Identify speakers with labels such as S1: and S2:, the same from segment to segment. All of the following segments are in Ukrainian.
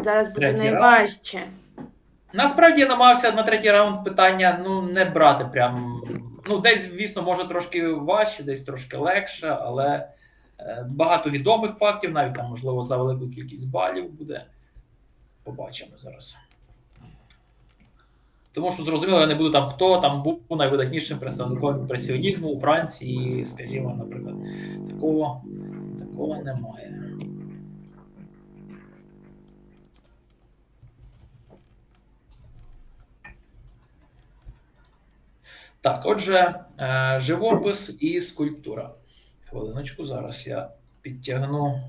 S1: зараз буде
S2: Третій
S1: найважче.
S2: Насправді я намагався на третій раунд питання не брати прям. Десь, звісно, може трошки важче, десь трошки легше, але багато відомих фактів, навіть там, можливо, за велику кількість балів буде. Побачимо зараз. Тому що, зрозуміло, я не буду там, хто там був найвидатнішим представником імпресіонізму у Франції, скажімо, наприклад. Такого немає. Так, отже, живопис і скульптура. Хвилиночку, зараз я підтягну.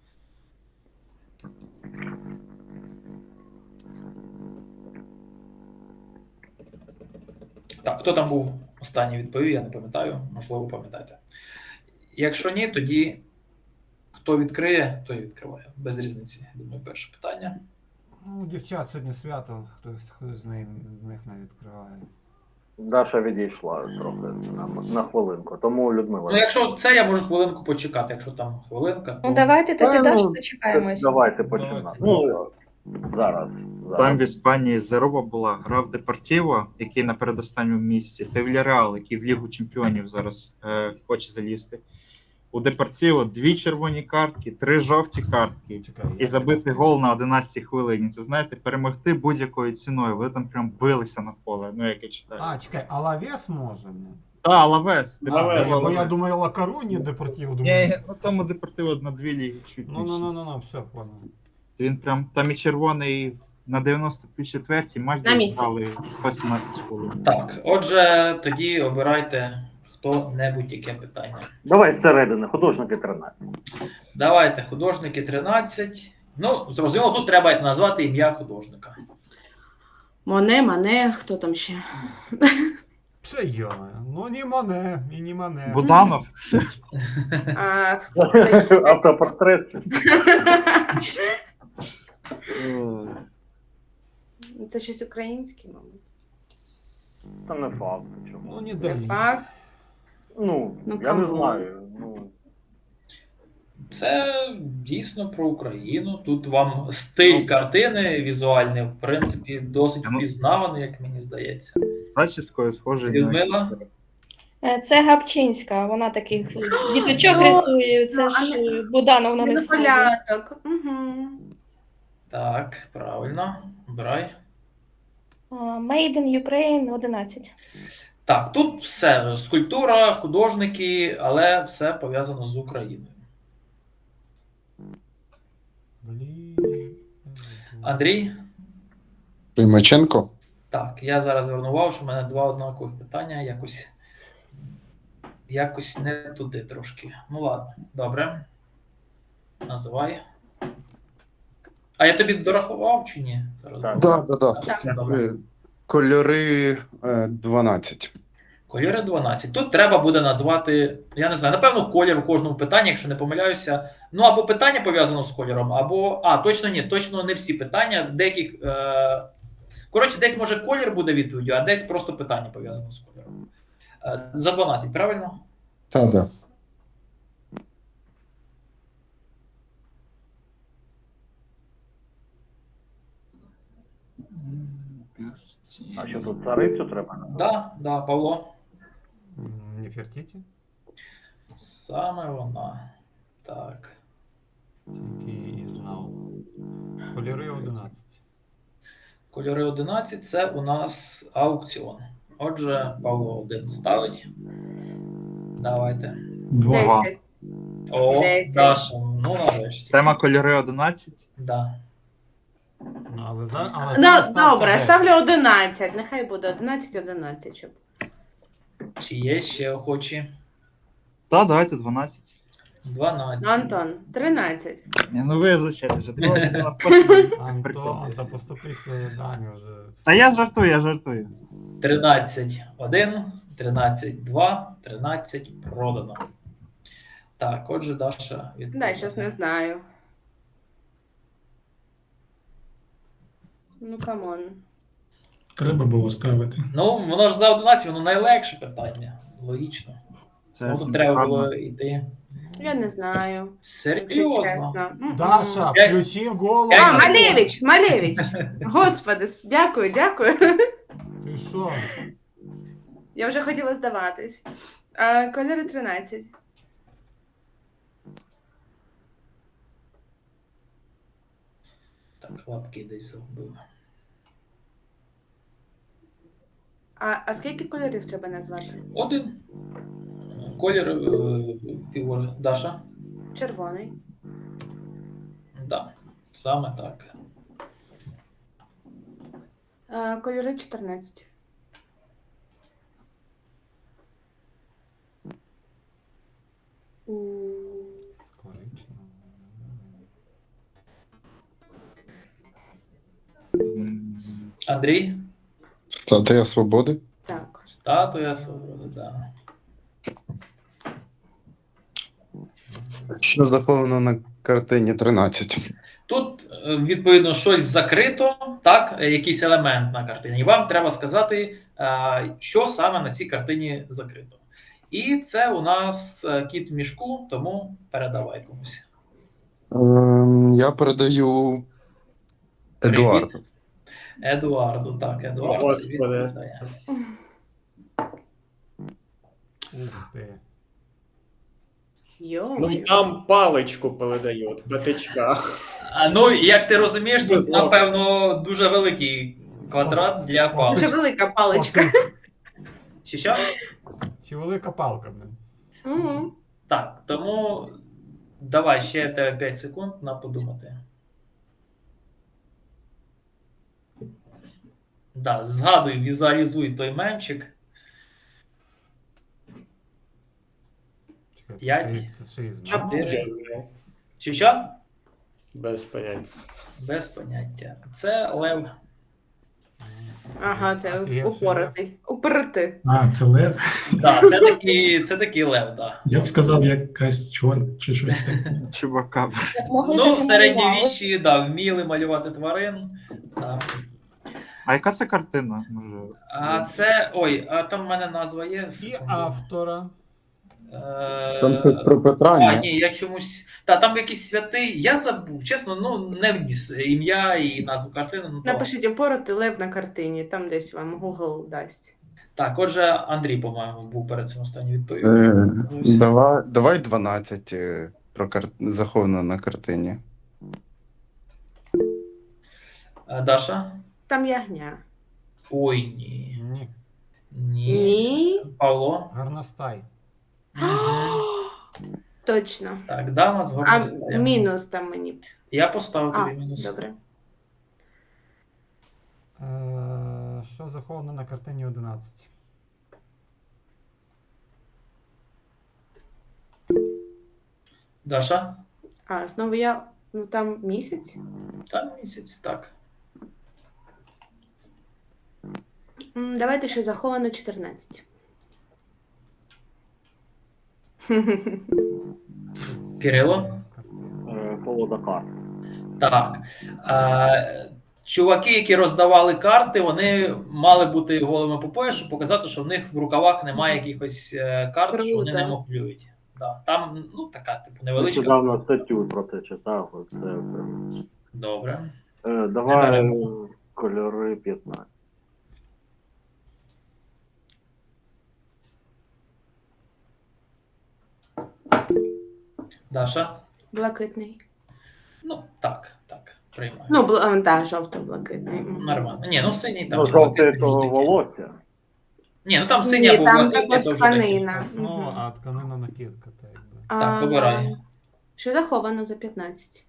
S2: Так, хто там був останній відповів, я не пам'ятаю, можливо, пам'ятаєте. Якщо ні, тоді хто відкриє, той відкриває. Без різниці, думаю, перше питання.
S3: Ну, дівчат сьогодні свято, хтось з них не відкриває.
S4: Даша відійшла трохи на хвилинку, тому Людмила.
S2: Якщо це, я можу хвилинку почекати, якщо там хвилинка. То...
S1: Давайте тоді Дашу
S4: Давайте
S1: почекаємося.
S4: починати. Зараз.
S5: Там в Іспанії заруба була, грав Депортіво, який на передостанньому місці, та Вільярреал, який в Лігу Чемпіонів зараз хоче залізти. У Депортіво 2 червоні картки, 3 жовті картки і забити гол на 11-й хвилині. Це, знаєте, перемогти будь-якою ціною. Ви там прям билися на поле, як я читаю.
S3: Чекай, Алавес може?
S5: Так, Алавес.
S3: Бо я думаю, Ла Коруні Депортіво.
S5: Ні, тому Депортіво на 2 ліги чуть більше.
S3: Ну, все, понял.
S5: Він прям там і червоний на 94-й матч зіграли 117 хвилин.
S2: Так, отже, тоді обирайте хто-небудь яке питання.
S4: Давай зсередини, художники 13.
S2: Давайте, художники 13. Зрозуміло, тут треба назвати ім'я художника.
S1: Мане, хто там ще?
S3: Все йоме. Ну, ні Моне, і ні Моне.
S5: Буданов?
S4: Автопортрет.
S1: Це щось українське, мабуть.
S4: Та не факт. Чому?
S3: Ну, ніде.
S1: Не факт.
S4: Я не знаю.
S2: Це дійсно про Україну. Тут вам стиль картини візуальний, в принципі, досить впізнаваний, як мені здається.
S5: Зачіскою схожий
S2: Людмила?
S6: Це Гапчинська, вона таких діточок рисує, це ж Буданов на них схожий.
S2: Так, правильно. Обирай.
S6: Made in Ukraine 11.
S2: Так, тут все. Скульптура, художники, але все пов'язано з Україною. Андрій?
S7: Примаченко?
S2: Так, я зараз звернув увагу, що в мене 2 однакових питання. Якось не туди трошки. Ну ладно, добре. Називай. А я тобі дорахував чи ні?
S4: Так.
S7: Так.
S2: Добре.
S7: Кольори 12.
S2: Кольори 12. Тут треба буде назвати, я не знаю, напевно, колір у кожному питанні, якщо не помиляюся. Або питання пов'язано з кольором, або... точно ні, точно не всі питання. Деяких... Коротше, десь може колір буде відповіддю, а десь просто питання пов'язано з кольором. За 12, правильно?
S7: Так.
S4: А що тут царицю треба?
S2: Да, Павло.
S3: Нефертіті?
S2: Саме вона. Так.
S3: Тільки і знав. Кольори 11.
S2: Кольори 11 – це у нас аукціон. Отже, Павло 1 ставить. Давайте.
S5: 2.
S2: О,
S1: 10.
S2: Даша, нарешті.
S5: Тема кольори 11.
S2: Да.
S3: Але зараз
S1: Добре, ставлю 11. Нехай буде 11, щоб...
S2: Чи є ще охочі?
S5: Так, давайте 12.
S2: 12.
S1: Антон, 13.
S5: Ви звичайно вже.
S3: Антон, та поступися Дані вже.
S5: Та я жартую.
S2: 13-1, 13-2, 13 продано. Так, отже, Даша відповідає.
S1: Щось не знаю. Камон.
S8: Треба було ставити.
S2: Воно ж за 11, воно найлегше питання. Логічно.
S5: Це
S2: Треба було йти.
S1: Я не знаю.
S2: Серйозно?
S1: Чесно. М-м.
S3: Даша,
S2: П'ять-
S3: включи голову.
S2: п'ять
S1: А,
S2: секунд.
S1: Малевич! Господи, дякую, дякую.
S3: Ти що?
S1: Я вже хотіла здаватись. Кольори 13.
S2: Так, лапки десь загубив.
S1: А скільки кольорів треба назвати?
S2: Один. Колір фігури. Даша?
S1: Червоний.
S2: Да, саме так.
S1: Кольори 14.
S3: З коричневим.
S2: Андрій?
S7: Статуя свободи.
S1: Так.
S2: Статуя свободи, да.
S7: Що заховано на картині 13?
S2: Тут, відповідно, щось закрито, так, якийсь елемент на картині. І вам треба сказати, що саме на цій картині закрито. І це у нас кіт в мішку, тому передавай комусь.
S7: Я передаю Едуарду.
S2: Едуарду, так, Едуарду.
S9: Господи.
S2: відповідає.
S3: Ух ти.
S9: Ну,
S1: Йо.
S9: там паличку передають, п'ятичка.
S2: Ну, як ти розумієш, тут,
S9: Безумовно.
S2: напевно, дуже великий квадрат для
S1: Дуже
S2: палички.
S1: велика паличка.
S2: Чи що?
S3: Чи велика палка, блин?
S1: Мгм.
S2: Так, тому давай ще в тебе 5 секунд на подумати. Да, згадуй, візуалізуй той мемчик.
S3: Чекай,
S2: П'ять.
S3: це ще із
S1: А,
S3: мамою?
S2: Чотири.
S9: Я знаю.
S2: Чи що?
S9: Без поняття.
S2: Без поняття. Це лев.
S1: Ага, це
S3: Офігевший
S1: упоротий. Упоротий.
S8: А, це лев.
S2: Да, це такий лев, да.
S8: Я б сказав, якась чорт чи щось таке.
S5: Чувака.
S2: Ну, в середньовіччі, да, вміли малювати тварин. Да.
S5: А яка це картина? Може.
S2: А це. Ой, а там в мене назва є.
S3: І
S2: секунду.
S3: автора.
S7: Там щось про Петра,
S2: А,
S7: ні?
S2: ні, я чомусь. Та там якийсь святий. Я забув, чесно, ну не вніс ім'я і назву картини. Ну, то...
S1: Напишіть упоротий лев на картині, там десь вам Google дасть.
S2: Так, отже, Андрій, по-моєму, був перед цим останнім відповів.
S7: Давай 12 заховано на картині.
S2: Даша?
S1: Там ягня.
S2: Ой, ні.
S3: Ні.
S2: Ні.
S1: Ні.
S2: Павло?
S3: Гарностай.
S1: Точно.
S2: Так, дама з
S1: А
S2: горностаєм.
S1: мінус там мені.
S2: Я поставив
S1: А,
S2: тобі мінус.
S1: добре.
S3: Що заховано на картині 11?
S2: Даша?
S1: А, знову я. Ну там місяць.
S2: Там місяць, так.
S1: Давайте ще заховано 14.
S2: Кирило?
S4: Колода карт.
S2: Так. Чуваки, які роздавали карти, вони мали бути голими по пояс, щоб показати, що в них в рукавах немає якихось карт, що вони не
S1: Круто.
S2: моклюють. Да. Там, ну, така, типу, невеличка.
S4: Нещодавно статтю про це читав. Оце.
S2: Добре.
S4: Давай
S2: беремо.
S4: кольори 15.
S2: Даша?
S1: Блакитний.
S2: Ну, так, приймаю.
S1: Ну, так, жовто-блакитний.
S2: Нормально. Ні, ну синій там.
S4: Ну,
S2: чи
S4: жовте
S2: блакитний,
S4: то
S2: жовтий.
S4: волосся.
S2: Ні, ну там синій
S1: Ні,
S2: або
S1: там
S2: блакитний,
S1: також
S2: то вже
S1: тканина.
S2: такі.
S3: Основа,
S1: Мгм.
S3: а тканина накидка, так якби.
S2: Так, вибирай.
S1: Що заховано за 15?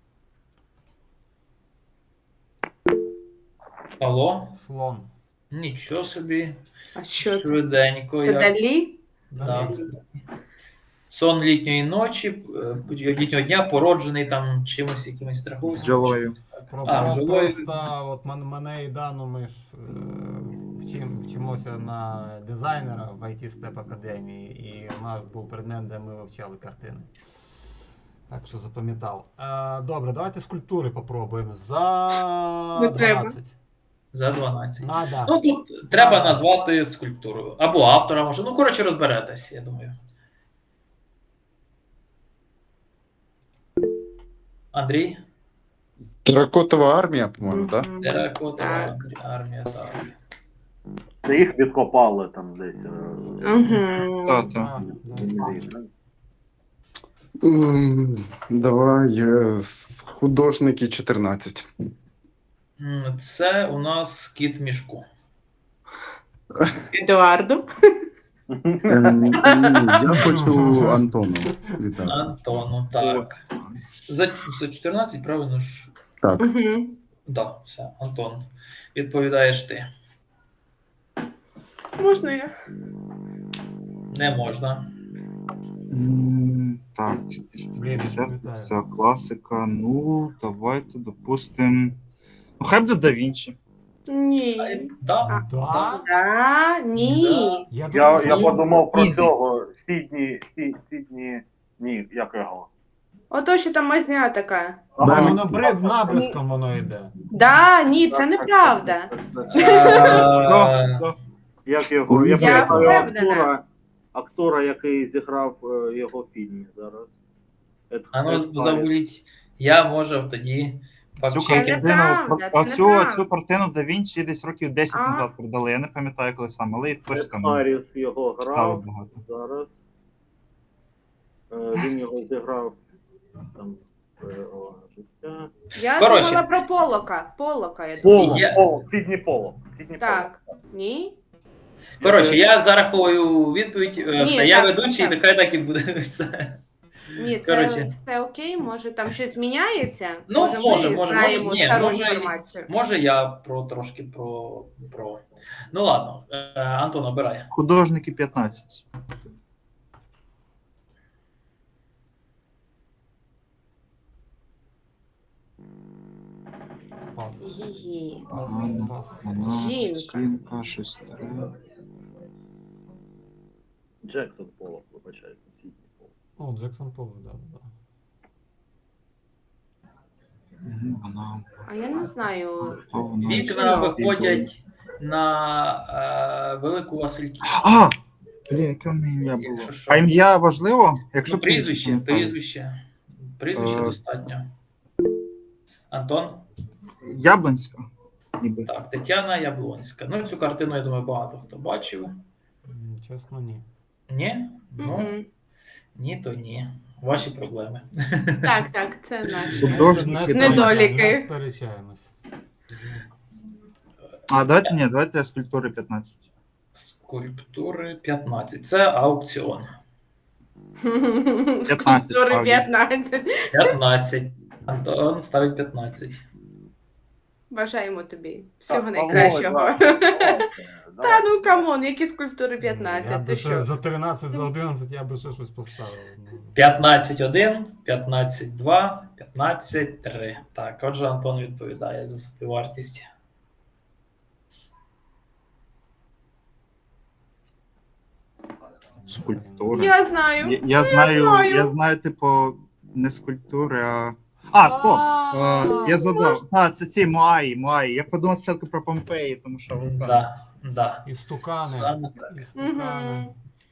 S2: Павло?
S3: Слон.
S2: Нічого собі.
S1: А що це?
S2: Швиденько.
S1: Це
S2: як.
S1: далі?
S2: Да, це так. Сон літньої ночі, літнього дня породжений там чимось, якимось страховим.
S5: Бджолою.
S2: бджолою.
S3: Просто от мене і Дану ми ж вчимося на дизайнера в IT Step Academy, і у нас був предмет, де ми вивчали картини. Так що запам'ятав. Добре, давайте скульптури попробуємо. За
S1: Не треба.
S3: 12.
S2: За 12.
S3: Надо.
S2: Ну тут треба
S3: Надо.
S2: назвати скульптуру. Або автора, може. Ну, коротше, розберетесь, я думаю.
S3: Давай.
S1: Ага.
S3: Що заховано на картині 12?
S2: Що? Андрій?
S7: Теракотова армія, по-моєму, так?
S1: Мгм.
S2: Теракотова
S1: Так.
S2: армія, так.
S4: Це їх відкопали там десь.
S1: Мгм.
S3: Да,
S5: Та.
S3: да.
S7: Давай художники 14.
S2: Це у нас кіт в мішку.
S1: Едуарду.
S7: Ні, я хочу Антону віддати.
S2: Антону, так. За 14, правильно ж?
S7: Так.
S1: Мгм.
S2: Да, все, Антон. Відповідаєш ти.
S1: Можна я?
S2: Не можна.
S5: Так,
S3: Блін,
S5: 450,
S3: не пам'ятаю.
S5: все, класика. Ну, давайте допустим. Ну, хай буде Да Вінчі.
S1: Ні.
S2: Да.
S3: Да?
S1: Да, ні.
S3: Я
S4: Я,
S3: думав,
S4: я
S3: що-
S4: подумав про
S5: Ізі.
S4: цього. Сідні. Ні, як його?
S1: Ото, що там мазня така.
S3: Ага,
S7: Да,
S3: воно бред набризком воно йде.
S1: Да, ні, це неправда.
S4: Як його? Я
S1: Я
S4: пам'ятаю
S1: впевнена.
S4: актора, який зіграв його в фільмі зараз.
S2: А ну, забудіть. Я можу тоді
S5: Цю
S2: факт-чекати.
S5: картину,
S1: неправда, це
S5: оцю
S1: неправда.
S5: картину Да Вінчі десь років 10
S1: А.
S5: назад продали. Я не пам'ятаю, коли саме, але і точно
S4: Ед
S5: там
S4: Харріс його
S5: читали
S4: грав
S5: багато.
S4: зараз. Він його зіграв там життя.
S1: Я
S2: Коротше.
S1: думала про Полока. Полока, я думала.
S2: Я-
S4: Поло.
S1: Так. Ні?
S2: Коротше, я зараховую відповідь.
S1: Ні,
S2: Все, я
S1: так,
S2: ведучий,
S1: так.
S2: нехай так і буде все.
S1: Ні, це
S2: Коротше.
S1: все окей, може там щось міняється?
S2: Ну, може,
S1: знаємо
S2: ні,
S1: стару
S2: може,
S1: інформацію.
S2: Може, я трошки про. Ну ладно, Антон, обирай.
S5: Художники 15.
S3: Пас.
S1: Гі-гі.
S3: Пас. Пас.
S1: Жінка.
S5: Жінка, щось таке.
S4: Джексон Поло, вибачайте. Сідні Поло.
S3: О, Джексон Поло, да, да.
S5: Вона.
S1: А я не знаю.
S5: Хто вона?
S2: Вікна виходять на Велику Васильківську.
S5: А! Блін, яке в неї ім'я було?
S2: Якщо що.
S5: А ім'я важливо? Якщо
S2: Ну, прізвище,
S5: не пам'ятаю.
S2: Прізвище
S5: Е.
S2: достатньо. Антон?
S5: Яблонська. Ніби.
S2: Так, Тетяна Яблонська. Ну, цю картину, я думаю, багато хто бачив.
S3: Чесно, ні.
S2: Ні? Ну,
S1: Мгм.
S2: ні, то ні. Ваші проблеми.
S1: Так, це наші.
S5: Художники
S1: Недоліки.
S3: Не сперечаємось.
S5: А, давайте скульптури 15.
S2: Скульптури 15. Це аукціон.
S5: 15,
S1: Скульптури
S5: справді.
S1: 15.
S2: 15. Антон ставить 15.
S1: Бажаємо тобі всього
S4: Так,
S1: найкращого.
S4: Павло,
S1: Та ну камон, які скульптури
S3: Я
S1: 15,
S3: би
S1: ти
S3: ще
S1: що?
S3: за 13, за 11 я би ще щось поставив.
S2: 15-1, 15-2, 15-3. Так, отже, Антон відповідає за собівартість.
S5: Скульптури.
S1: Я знаю.
S5: Я знаю, типу, не скульптури, а. А, стоп! Я задав. А, це ці Маї. Я подумав спочатку про Помпеї, тому що вулкан.
S2: Да.
S3: І стукани.
S2: Саме так.
S3: І стукани.
S1: Мгм.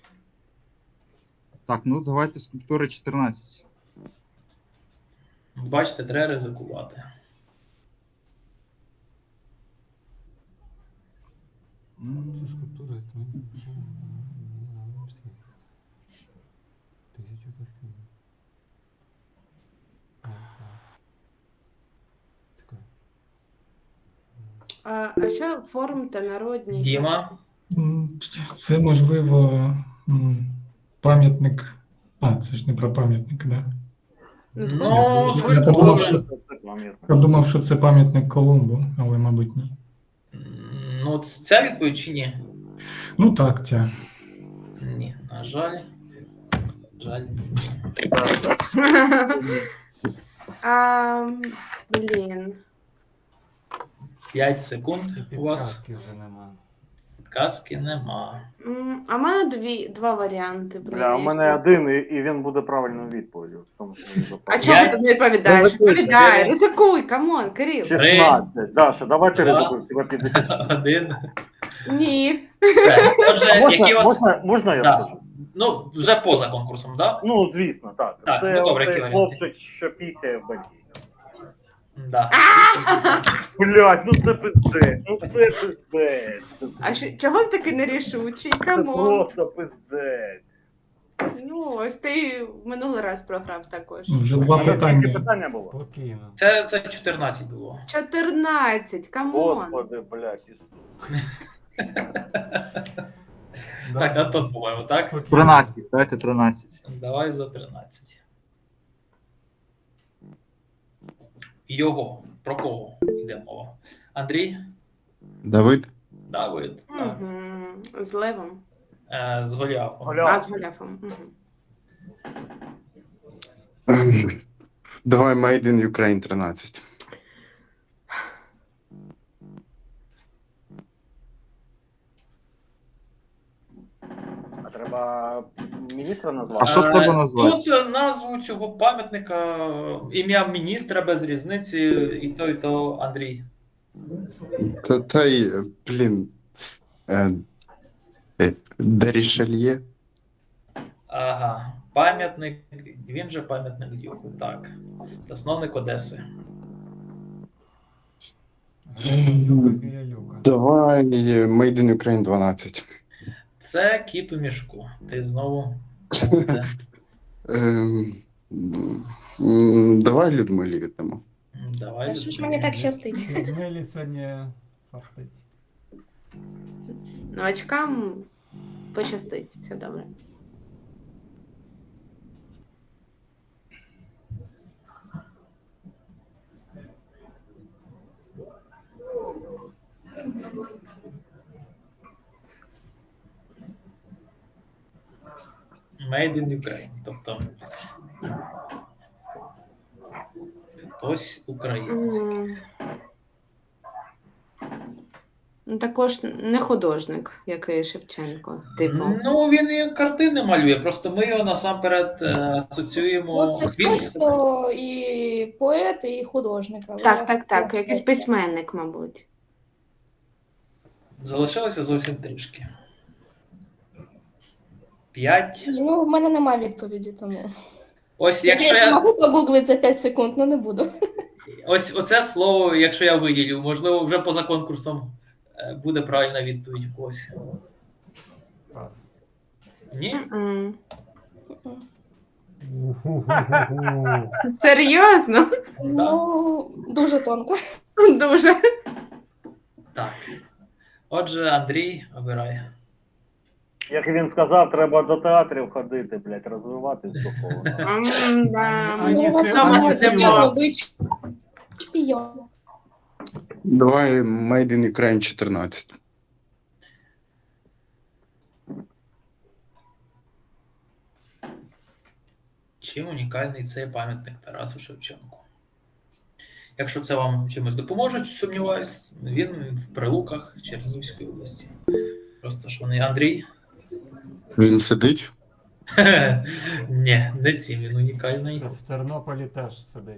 S5: Так, ну давайте скульптури 14.
S2: Бачите, треба ризикувати.
S3: Цю скульптуру з тим- Тисячу картин. Чекай.
S1: А що форм та народні?
S2: Діма.
S8: Це можливо пам'ятник. А, це ж не про пам'ятник, да?
S2: Ну,
S8: Я подумав,
S2: скульптури.
S8: що, я думав, що це пам'ятник Колумбу, але, мабуть, ні.
S2: Ну, ця відповідь чи ні?
S8: Ну так, ця.
S2: Ні, на жаль. Жаль.
S1: Блін.
S2: 5 секунд.
S3: І
S2: У вас
S3: підказки вже нема.
S2: підказки нема.
S1: А в мене два варіанти. Блін,
S4: Бля, у
S1: я
S4: мене
S1: щас-
S4: один, і він буде правильною відповіддю. Тому що він
S1: А
S4: запав.
S1: чого ти
S2: П'ять.
S1: тут не відповідаєш?
S5: Ризикуй.
S1: Відповідай, ризикуй, камон, Кирил.
S4: 16. Даша, давай ти
S2: Два.
S4: ризикуй, тебе 50.
S2: 1.
S1: Ні.
S2: Все. Отже, які у вас.
S4: Можна я
S2: Да.
S4: скажу?
S2: Ну, вже поза конкурсом, так? Да?
S4: Ну, звісно, так.
S2: Так,
S4: Це
S2: ну, добре,
S4: оцей
S2: які варіанти?
S4: хлопчик, що пісяє в Бельгії.
S2: Да.
S4: Блядь, ну це пиздець, ну це пиздець.
S1: А чого ти такий нерішучий?
S4: Це
S1: Камон.
S4: просто пиздець.
S1: Ну, ось ти в минулий раз програв також.
S8: Вже два
S4: А наскільки
S8: питання.
S4: питання було?
S3: Спокійно.
S2: Це 14 було.
S1: 14, камон.
S4: Господи, блядь.
S3: Да.
S2: Так, Антон, по-моєму, так?
S3: Спокійно.
S5: 13, давайте 13.
S2: Давай за 13. Його. Про кого йде мова? Андрій?
S7: Давид.
S2: Давид. Так.
S1: Мгм. З Левом.
S2: З Голіафом.
S1: А, з Голяфом. Мгм.
S7: Давай Made in Ukraine 13.
S4: А треба міністра назвати?
S5: А що треба назвати?
S2: Тут назву цього пам'ятника, ім'я міністра без різниці, і то Андрій.
S7: Це цей, блін. Дерішельє.
S2: Ага. Пам'ятник, він же пам'ятник Дюку, так. Засновник Одеси.
S3: Люка біля люка.
S7: Давай Made in Ukraine 12.
S2: Це кіт у мішку. Ти знову. Це.
S7: Давай Людмилі віддамо.
S2: Давай.
S6: Та що ж мені так щастить?
S3: Людмилі сьогодні фартить.
S1: Новачкам пощастить, все добре.
S2: Made in Ukraine. Тобто. Хтось українець.
S1: Ну, також не художник, як і Шевченко. Типу.
S2: Ну, він і картини малює, просто ми його насамперед асоціюємо.
S6: Ну, це
S2: Він-
S6: хтось, хто і поет, і художник. але
S1: Так, якийсь письменник, мабуть.
S2: Залишилося зовсім трішки. 5.
S6: Ну, в мене немає відповіді, тому.
S2: Ось
S6: Я,
S2: якщо
S6: звісно,
S2: я.
S6: можу погуглити за 5 секунд, але не буду.
S2: Ось оце слово, якщо я виділю, можливо, вже поза конкурсом буде правильна відповідь у когось.
S3: Пас.
S2: Ні?
S1: М.
S3: Уху-ху-ху-ху.
S1: Серйозно?
S6: Ну, дуже тонко.
S1: Дуже.
S2: Так. Отже, Андрій, обирай.
S4: Як він сказав, треба до театрів ходити, блядь, розвиватись духовно.
S1: Да,
S3: Ані
S1: ми
S3: це-
S1: вдома
S3: ані це
S1: сидимо.
S6: робити шпійон.
S7: Давай Made in Ukraine 14.
S2: Чим унікальний цей пам'ятник Тарасу Шевченку? Якщо це вам чимось допоможе, сумніваюсь, він в Прилуках Чернігівської області. Просто що не Андрій?
S7: Він сидить.
S2: Ні, не цим він унікальний.
S3: В Тернополі теж сидить.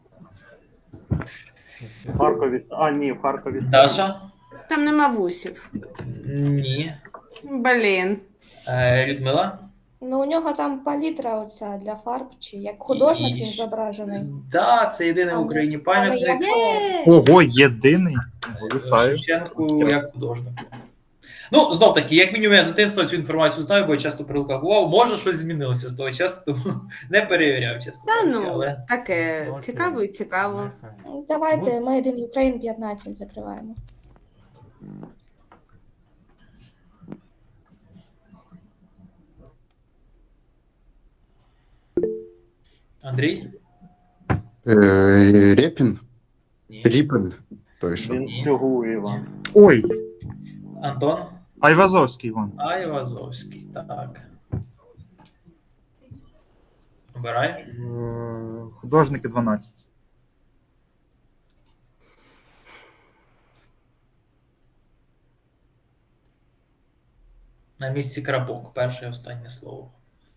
S4: В Харкові. А, ні, в Харкові.
S2: Даша?
S1: Там нема вусів.
S2: Ні.
S1: Блін.
S2: Людмила?
S6: Ну, у нього там палітра оця для фарб, чи як художник він зображений.
S2: Так, це єдиний в Україні пам'ятник
S5: Ого, єдиний. Вітаю.
S2: Шевченку як художнику. Ну, знов таки, як мінімум, я з дитинства цю інформацію знаю, бо я часто при руках бував. Може, щось змінилося з того часу, тому не перевіряв, чесно
S1: Та
S2: кажучи,
S1: ну,
S2: але
S1: таке
S3: Окей.
S1: цікаво і цікаво.
S3: Нехай.
S6: Давайте Made in Ukraine 15 закриваємо.
S2: Андрій?
S7: Репін?
S2: Ні.
S7: Ріпен. Той що.
S4: Він цього Іван.
S5: Ой,
S2: Антон?
S5: Айвазовський Іван.
S2: Айвазовський, так. Обирай.
S5: Художники 12.
S2: На місці крапок. Перше і останнє слово.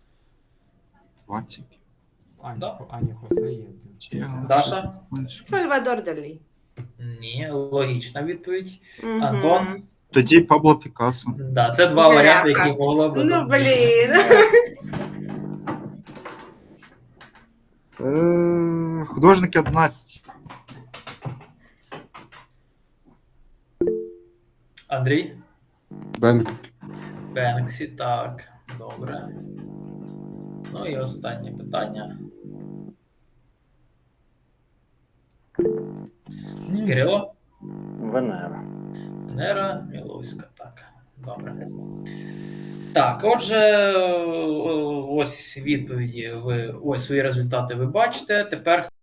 S5: 20.
S2: Да.
S3: Ані Хосе є.
S2: Даша?
S1: Сальвадор Далі.
S2: Ні, логічна відповідь.
S1: Мгм.
S2: Антон?
S5: Тоді Пабло Пікассо.
S2: Да, це два
S1: Бляха.
S2: варіанти, які могла б.
S1: Ну, блін.
S5: Художники 11.
S2: Андрій?
S7: Бенкс.
S2: Бенксі, так, добре. Ну і останнє питання. Кирило?
S4: Венера.
S2: Нера Міловська, так. Добре. Так, отже, ось відповіді ось свої результати ви бачите. Тепер